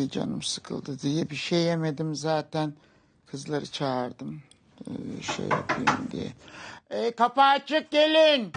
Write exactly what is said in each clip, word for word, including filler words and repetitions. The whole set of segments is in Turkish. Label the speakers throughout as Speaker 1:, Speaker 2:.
Speaker 1: Ay canım sıkıldı diye bir şey yemedim zaten. Kızları çağırdım. Ee, şey yapayım diye. Ee, kapı açık gelin.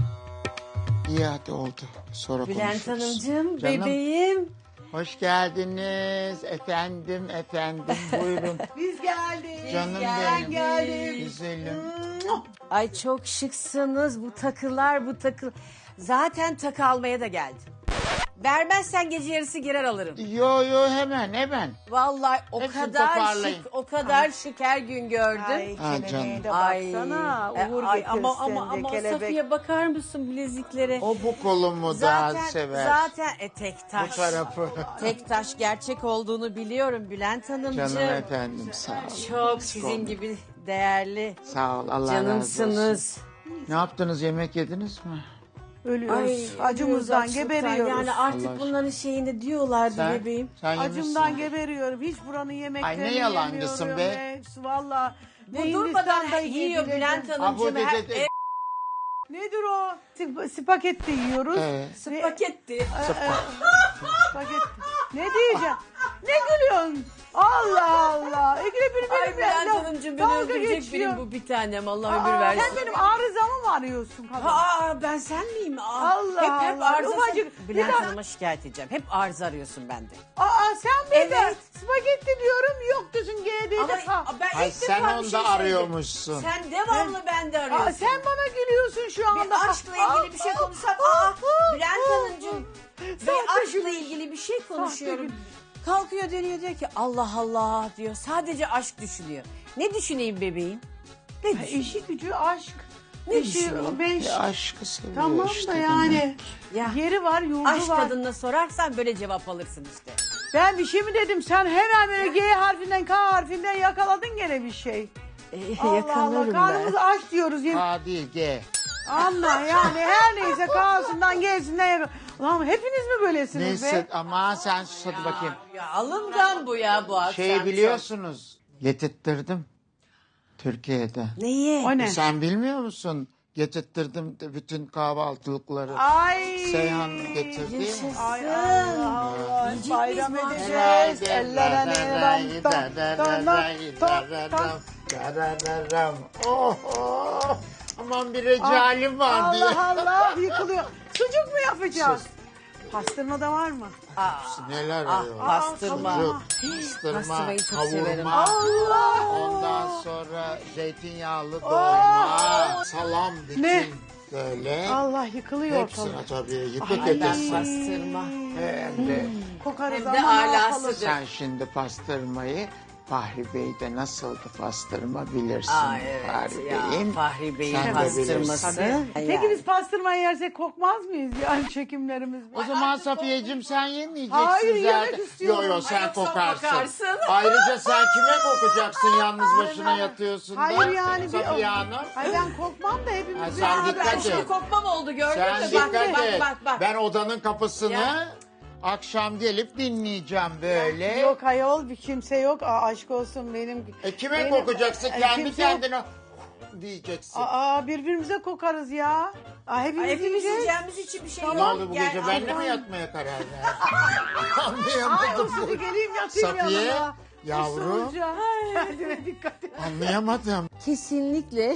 Speaker 1: İyi hadi oldu. Sonra
Speaker 2: Bülent
Speaker 1: konuşuruz.
Speaker 2: Hanımcığım,
Speaker 1: Canım,
Speaker 2: bebeğim.
Speaker 1: hoş geldiniz. Efendim, efendim. Buyurun.
Speaker 3: Biz geldik.
Speaker 1: Canım
Speaker 2: geldik.
Speaker 1: benim.
Speaker 3: Geldim.
Speaker 1: Güzelim.
Speaker 2: Ay çok şıksınız bu takılar, bu takı. Zaten takı almaya da geldim. Vermezsen gece yarısı girer alırım.
Speaker 1: Yo yo hemen hemen.
Speaker 2: Vallahi o
Speaker 1: Hepsini
Speaker 2: kadar
Speaker 1: toparlayın.
Speaker 2: şık, o kadar şık her gün gördüm.
Speaker 3: Ay
Speaker 1: Ha,
Speaker 3: kelebeğe
Speaker 1: canım.
Speaker 3: de
Speaker 2: Ay,
Speaker 3: baksana.
Speaker 2: e,
Speaker 3: Uğur
Speaker 2: ay,
Speaker 3: getirsin
Speaker 2: ama ama
Speaker 3: de
Speaker 2: ama
Speaker 3: kelebek.
Speaker 2: Safiye bakar mısın bileziklere?
Speaker 1: O bu kolumu
Speaker 2: zaten
Speaker 1: daha sever.
Speaker 2: zaten e, tek
Speaker 1: Bu
Speaker 2: taş.
Speaker 1: tarafı.
Speaker 2: Tek taş gerçek olduğunu biliyorum Bülent Hanımcığım.
Speaker 1: Canım efendim sağ olun.
Speaker 2: Çok sizin gibi değerli
Speaker 1: Sağ ol Allah razı olsun.
Speaker 2: canımsınız.
Speaker 1: Ne yaptınız, yemek yediniz mi?
Speaker 3: Ölüyoruz.
Speaker 2: Ay,
Speaker 3: Acımızdan
Speaker 2: açlıktan.
Speaker 3: geberiyoruz.
Speaker 2: Yani artık
Speaker 1: Allah
Speaker 2: bunların şeyini diyorlardı
Speaker 1: Sen,
Speaker 2: bebeğim.
Speaker 1: sen
Speaker 3: Acımdan
Speaker 1: yemişsin.
Speaker 3: geberiyorum. Hiç buranın yemeklerini
Speaker 1: Ay, ne yalancısın
Speaker 3: yemiyorum.
Speaker 1: be.
Speaker 3: Hepsi valla.
Speaker 2: Bu durmadan yiyor Bülent
Speaker 1: Ha, bu
Speaker 2: Hanımcığım.
Speaker 1: de-
Speaker 2: Her,
Speaker 1: de- de-
Speaker 2: e,
Speaker 3: Nedir o? Sp- spagetti yiyoruz.
Speaker 1: Evet.
Speaker 2: spagetti.
Speaker 3: Spagetti. Ne diyeceğim? Ne gülüyorsun? Allah Allah. İkide bir
Speaker 2: Ay
Speaker 3: benim
Speaker 2: Bülent
Speaker 3: laf-
Speaker 2: Hanımcığım beni
Speaker 3: dalga
Speaker 2: öldürecek
Speaker 3: geçiyor.
Speaker 2: benim bu bir tanem. Allah ömür
Speaker 3: Aa,
Speaker 2: versin.
Speaker 3: sen benim arızamı mı arıyorsun kadın?
Speaker 2: Aa ben sen miyim? Aa,
Speaker 3: Allah
Speaker 2: hep hep
Speaker 3: Allah,
Speaker 2: arıza.
Speaker 3: ufacık-
Speaker 2: Bülent
Speaker 3: Bir daha-
Speaker 2: Hanım'a şikayet edeceğim. Hep arıza arıyorsun bende.
Speaker 3: Aa sen bir de
Speaker 2: Evet.
Speaker 3: spagetti diyorum yok diyorsun G D'de.
Speaker 2: Ama ben
Speaker 1: Ay
Speaker 2: ilk
Speaker 1: sen
Speaker 2: defa bir
Speaker 1: onda
Speaker 2: şey söyledim.
Speaker 1: arıyormuşsun.
Speaker 2: Sen devamlı bende arıyorsun.
Speaker 3: Aa, sen bana gülüyorsun şu anda.
Speaker 2: Bir aşkla ilgili bir şey konuşsam. Aa Bülent Hanımcığım. Bir aşkla ilgili bir şey konuşuyorum.
Speaker 3: gülüş.
Speaker 2: Kalkıyor dönüyor diyor ki Allah Allah diyor. Sadece aşk düşünüyor. Ne düşüneyim bebeğim? Ne
Speaker 3: Ha,
Speaker 2: düşüneyim?
Speaker 3: İşi gücü aşk.
Speaker 2: Ne
Speaker 3: İşi,
Speaker 2: düşünüyorsun?
Speaker 3: ben
Speaker 1: E, aşkı seviyor
Speaker 3: tamam
Speaker 1: işte.
Speaker 3: da
Speaker 1: demek.
Speaker 3: yani.
Speaker 2: Ya.
Speaker 3: Yeri var yurdu
Speaker 2: Aşk
Speaker 3: var.
Speaker 2: kadınına sorarsan böyle cevap alırsın işte.
Speaker 3: Ben bir şey mi dedim? Sen hemen böyle G harfinden K harfinden yakaladın gene bir şey.
Speaker 2: Ee,
Speaker 3: Allah Allah
Speaker 2: yakalarım
Speaker 3: karnımız
Speaker 2: ben.
Speaker 3: aç diyoruz. Yemin-
Speaker 1: A değil G.
Speaker 3: Anla yani her neyse K'sından G'sinden yakal. Ulan hepiniz mi böylesiniz
Speaker 1: Neyse
Speaker 3: be?
Speaker 1: ama sen sus hadi bakayım.
Speaker 2: Ya alımdan bu ya bu akşam.
Speaker 1: Şey biliyorsunuz. Getirttirdim. Türkiye'de.
Speaker 2: Neyi?
Speaker 3: O ne?
Speaker 1: Sen bilmiyor musun? Getirttirdim de bütün kahvaltılıkları.
Speaker 3: Ay.
Speaker 1: Seyhan getirdi.
Speaker 2: Yaşasın.
Speaker 3: Ay Allah Allah.
Speaker 2: Yiyecek
Speaker 3: Bayram
Speaker 2: miyiz bu
Speaker 3: edeceğiz. Ellere ram tam tam tam tam tam.
Speaker 1: Oh, oh. Aman bir recalim var diye.
Speaker 3: Allah Allah yıkılıyor. Sucuk mu yapacağız?
Speaker 1: Sus.
Speaker 3: Pastırma da var mı?
Speaker 1: Neler
Speaker 2: Ah,
Speaker 1: arıyor?
Speaker 2: pastırma.
Speaker 1: Sucuk, pastırma,
Speaker 2: Pastırmayı çok severim.
Speaker 1: kavurma.
Speaker 3: Allah.
Speaker 1: Ondan sonra zeytinyağlı dolma, salam bütün
Speaker 3: Ne?
Speaker 1: böyle.
Speaker 3: Allah yıkılıyor
Speaker 1: Hepsine
Speaker 3: ortalık.
Speaker 1: tabii yıkık
Speaker 2: Ay ben
Speaker 1: edesin.
Speaker 2: pastırma.
Speaker 1: Hem de
Speaker 3: Kokarız
Speaker 2: Hem de
Speaker 3: ama ne
Speaker 2: alası.
Speaker 3: yapalım?
Speaker 1: sen şimdi pastırmayı Fahri Bey'de nasıldı pastırma bilirsin.
Speaker 2: Aa evet
Speaker 1: Fahri
Speaker 2: ya
Speaker 1: Bey'in.
Speaker 2: Fahri Bey'in
Speaker 1: Sen de
Speaker 2: pastırması.
Speaker 1: bilirsin.
Speaker 3: Peki
Speaker 2: Yani.
Speaker 3: biz pastırmayı yersek kokmaz mıyız yani çekimlerimiz?
Speaker 1: O zaman Safiyeciğim sen yemeyeceksin
Speaker 3: Hayır,
Speaker 1: zaten.
Speaker 3: yemek istiyorum.
Speaker 1: Yo yo sen
Speaker 2: Ay, yoksa
Speaker 1: kokarsın.
Speaker 2: kokarsın.
Speaker 1: Ayrıca sen kime kokacaksın yalnız başına yatıyorsun da.
Speaker 3: Hayır yani bir...
Speaker 1: Safiye Hanım.
Speaker 3: Ay ben kokmam da
Speaker 1: Ha,
Speaker 3: hepimiz...
Speaker 1: sen
Speaker 2: Aa,
Speaker 1: dikkat
Speaker 2: ben
Speaker 1: et.
Speaker 2: şimdi kokmam oldu gördün
Speaker 1: Sen
Speaker 2: mü?
Speaker 1: dikkat
Speaker 2: Bak bak
Speaker 1: et.
Speaker 2: bak bak.
Speaker 1: Ben odanın kapısını
Speaker 2: Ya.
Speaker 1: akşam gelip dinleyeceğim böyle.
Speaker 3: Yok ayol bir kimse yok. Aa, aşk olsun benim...
Speaker 1: E kime
Speaker 3: benim-
Speaker 1: kokacaksın?
Speaker 3: Ay,
Speaker 1: Kendi
Speaker 3: kimse yok.
Speaker 1: kendine diyeceksin.
Speaker 3: Aa birbirimize kokarız ya. Aa, hepimiz,
Speaker 2: Ay, hepimiz
Speaker 3: yiyeceğiz.
Speaker 2: yiyeceğimiz için bir şey
Speaker 1: Ne
Speaker 2: yok.
Speaker 1: oldu bu
Speaker 2: Gel,
Speaker 1: gece? Benle mi
Speaker 2: ay,
Speaker 1: yatmaya karar verdin?
Speaker 3: Ay
Speaker 1: Anlayamadım.
Speaker 3: usulü geleyim yatayım
Speaker 1: Safiye,
Speaker 3: yanına.
Speaker 1: yavrum.
Speaker 3: Usulca. Kendine dikkat et.
Speaker 1: Anlayamadım.
Speaker 2: Kesinlikle.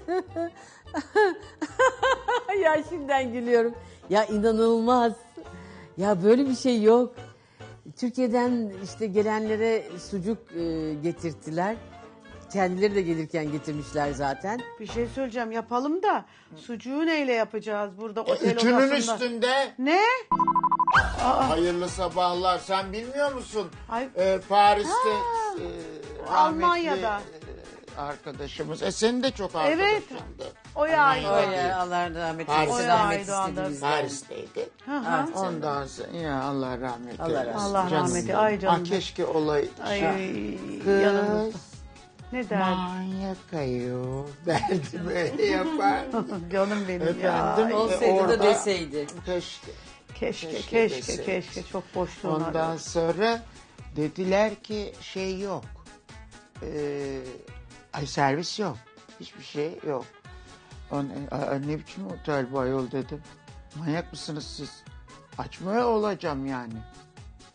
Speaker 2: Ya şimdiden gülüyorum. Ya inanılmaz. Ya böyle bir şey yok. Türkiye'den işte gelenlere sucuk e, getirttiler. Kendileri de gelirken getirmişler zaten.
Speaker 3: Bir şey söyleyeceğim yapalım da sucuğu neyle yapacağız burada otel
Speaker 1: Üçünün
Speaker 3: odasında?
Speaker 1: üstünde.
Speaker 3: Ne?
Speaker 1: Hayırlı sabahlar. Sen bilmiyor musun?
Speaker 3: Ay.
Speaker 1: Ee, Paris'te e, rahmetli,
Speaker 3: Almanya'da.
Speaker 1: e, arkadaşımız. E senin de çok arkadaşındı.
Speaker 3: Evet. O yağıydı.
Speaker 1: Almanya'da.
Speaker 2: Öyle Allah rahmet
Speaker 1: Paris.
Speaker 2: eylesin.
Speaker 1: O
Speaker 2: Rahmet
Speaker 3: yağıydı
Speaker 2: istedi
Speaker 3: anda.
Speaker 2: bizden.
Speaker 1: Paris'teydi.
Speaker 3: Hı hı.
Speaker 2: Evet.
Speaker 1: Ondan sonra ya Allah rahmet
Speaker 2: Allah
Speaker 1: eylesin.
Speaker 2: rahmet
Speaker 3: Allah
Speaker 1: Canım
Speaker 3: rahmeti,
Speaker 1: benim.
Speaker 3: ay canım.
Speaker 1: Ah, keşke olaydı.
Speaker 3: Ay
Speaker 1: Kız
Speaker 3: yanımızda. Ne derdi?
Speaker 1: manyak ayol derdi böyle yapar.
Speaker 3: Canım benim
Speaker 1: Efendim?
Speaker 3: ya.
Speaker 2: Olsaydı
Speaker 1: Orada-
Speaker 2: da deseydi.
Speaker 1: Keşke.
Speaker 3: Keşke
Speaker 1: Keşke
Speaker 3: keşke
Speaker 1: deseydi.
Speaker 3: keşke çok boşluğun
Speaker 1: Ondan sonra dediler ki şey yok. Ee, ay servis yok. Hiçbir şey yok. On, a- ne biçim otel bu ayol dedim. Manyak mısınız siz? Açmaya olacağım yani.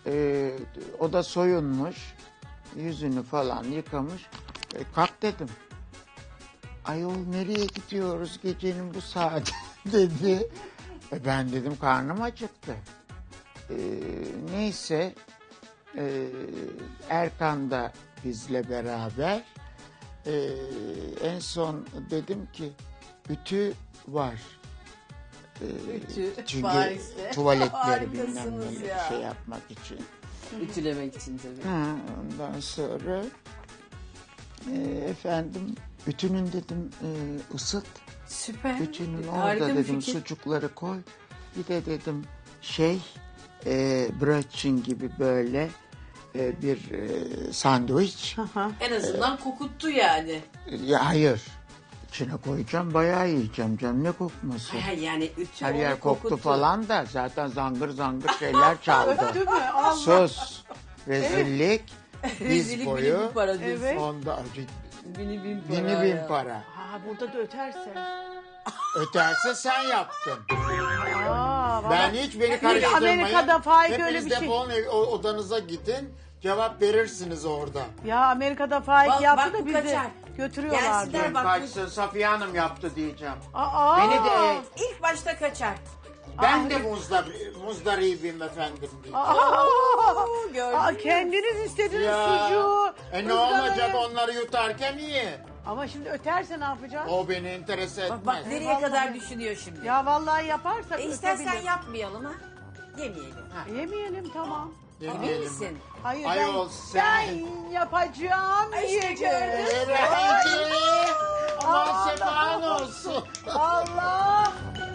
Speaker 1: Ee, o da soyunmuş. Yüzünü falan yıkamış. E, kalk dedim. Ayol nereye gidiyoruz gecenin bu saati dedi. E, ben dedim karnım acıktı. E, neyse e, Erkan da bizle beraber. E, en son dedim ki ütü var. E,
Speaker 2: Ütü
Speaker 1: çünkü
Speaker 2: var işte.
Speaker 1: tuvaletleri bilmem
Speaker 2: Harikasınız
Speaker 1: ne
Speaker 2: ya.
Speaker 1: şey yapmak için.
Speaker 2: Ütülemek için tabii.
Speaker 1: Ha, ondan sonra e, efendim ütünün dedim e, ısıt.
Speaker 2: Süper.
Speaker 1: Bütünün
Speaker 2: Harika
Speaker 1: orada
Speaker 2: bir
Speaker 1: dedim
Speaker 2: fikir.
Speaker 1: sucukları koy. Bir de dedim şey e, brötchen gibi böyle e, bir e, sandviç.
Speaker 2: En azından kokuttu yani.
Speaker 1: Ya hayır. İçine koyacağım bayağı yiyeceğim canım ne kokması.
Speaker 2: Ha, yani ütü
Speaker 1: Her
Speaker 2: onu
Speaker 1: yer koktu
Speaker 2: kokuttu.
Speaker 1: falan da zaten zangır zangır şeyler çaldı.
Speaker 3: Değil mi? Allah.
Speaker 1: Sus. Rezillik.
Speaker 2: Rezillik
Speaker 1: Diz
Speaker 2: bini bin
Speaker 1: boyu.
Speaker 2: para diyorsun.
Speaker 3: Evet.
Speaker 1: Onda
Speaker 2: Bini bin para.
Speaker 1: bini bin
Speaker 2: ya.
Speaker 1: para.
Speaker 3: Ha, burada da öterse.
Speaker 1: Öterse sen yaptın.
Speaker 3: Aa,
Speaker 1: Ben
Speaker 3: vallahi-
Speaker 1: hiç beni karıştırmayın.
Speaker 3: Amerika'da Faik öyle
Speaker 1: Hepiniz
Speaker 3: bir şey.
Speaker 1: defolun ev- o- odanıza gidin. Cevap verirsiniz orada.
Speaker 3: Ya Amerika'da Faik
Speaker 2: Bak-
Speaker 3: yaptı
Speaker 2: bak
Speaker 3: da
Speaker 2: bu
Speaker 3: bizi
Speaker 2: kaçar.
Speaker 3: götürüyorlardı.
Speaker 2: Gelsinler. Bak bu-
Speaker 1: Kaçsın Safiye Hanım yaptı diyeceğim.
Speaker 3: Aa,
Speaker 1: Beni de
Speaker 2: İlk başta kaçar.
Speaker 1: ben de muzdar, muzdaribim efendim diyeceğim.
Speaker 3: Aa,
Speaker 2: Oo, gördün
Speaker 3: aa,
Speaker 2: mü?
Speaker 3: kendiniz istediniz
Speaker 1: Ya,
Speaker 3: sucuğu.
Speaker 1: e ne
Speaker 3: ızgarayı.
Speaker 1: olacak onları yutarken iyi.
Speaker 3: Ama şimdi öterse ne yapacağız?
Speaker 1: O beni enterese etmez.
Speaker 2: Bak, bak nereye
Speaker 3: Vallahi.
Speaker 2: kadar düşünüyor şimdi.
Speaker 3: Ya vallahi yaparsak
Speaker 2: E istersen
Speaker 3: ötebilir.
Speaker 2: yapmayalım ha. Yemeyelim.
Speaker 3: Yemeyelim tamam.
Speaker 2: Emin
Speaker 1: Yemeyelim.
Speaker 2: misin?
Speaker 3: Hayır
Speaker 1: Ayol
Speaker 3: ben,
Speaker 1: sen.
Speaker 3: ben yapacağım
Speaker 2: Ay, işte
Speaker 3: yiyeceğim.
Speaker 2: gördün mü?
Speaker 1: Eğlenceli. Aman
Speaker 3: Allah
Speaker 1: sefan
Speaker 3: Allah.
Speaker 1: olsun.
Speaker 3: Allah.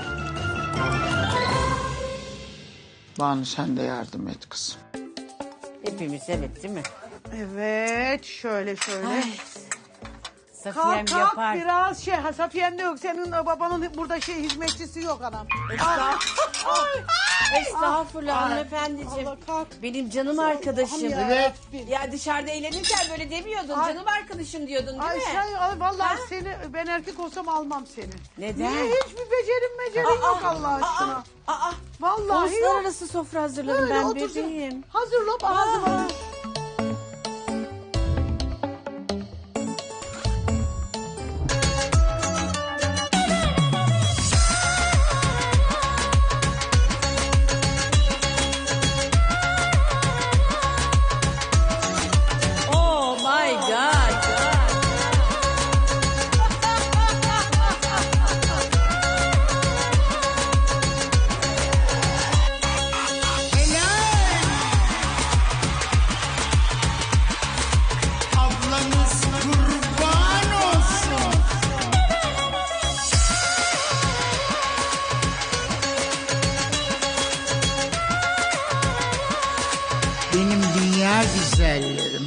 Speaker 1: Banu sen de yardım et kızım.
Speaker 2: Hepimiz evet değil mi?
Speaker 3: Evet şöyle şöyle.
Speaker 2: Ay. Safiyem
Speaker 3: Kalk kalk
Speaker 2: yapar.
Speaker 3: biraz şey ha, Safiye'm de yok senin babanın burada şey hizmetçisi yok anam.
Speaker 2: Estağfurullah
Speaker 3: Ay.
Speaker 2: hanımefendiciğim.
Speaker 3: Allah kalk.
Speaker 2: Benim canım arkadaşım.
Speaker 3: Ya
Speaker 1: Evet.
Speaker 3: Rabbim.
Speaker 2: Ya dışarıda eğlenirken böyle demiyordun.
Speaker 3: Ay.
Speaker 2: Canım arkadaşım diyordun değil
Speaker 3: Ay
Speaker 2: mi?
Speaker 3: sen ay, vallahi
Speaker 2: Ha?
Speaker 3: seni ben erkek olsam almam seni.
Speaker 2: Neden?
Speaker 3: Niye hiçbir becerim becerim yok Allah aşkına.
Speaker 2: Aa, aa.
Speaker 3: Vallahi yok.
Speaker 2: Uluslararası sofra hazırladım
Speaker 3: Böyle
Speaker 2: ben
Speaker 3: otursun.
Speaker 2: bebeğim.
Speaker 3: Hazırla ağzıma.
Speaker 2: Oh my god.
Speaker 1: Ablanız kurban olsun. Benim dünya güzellerim.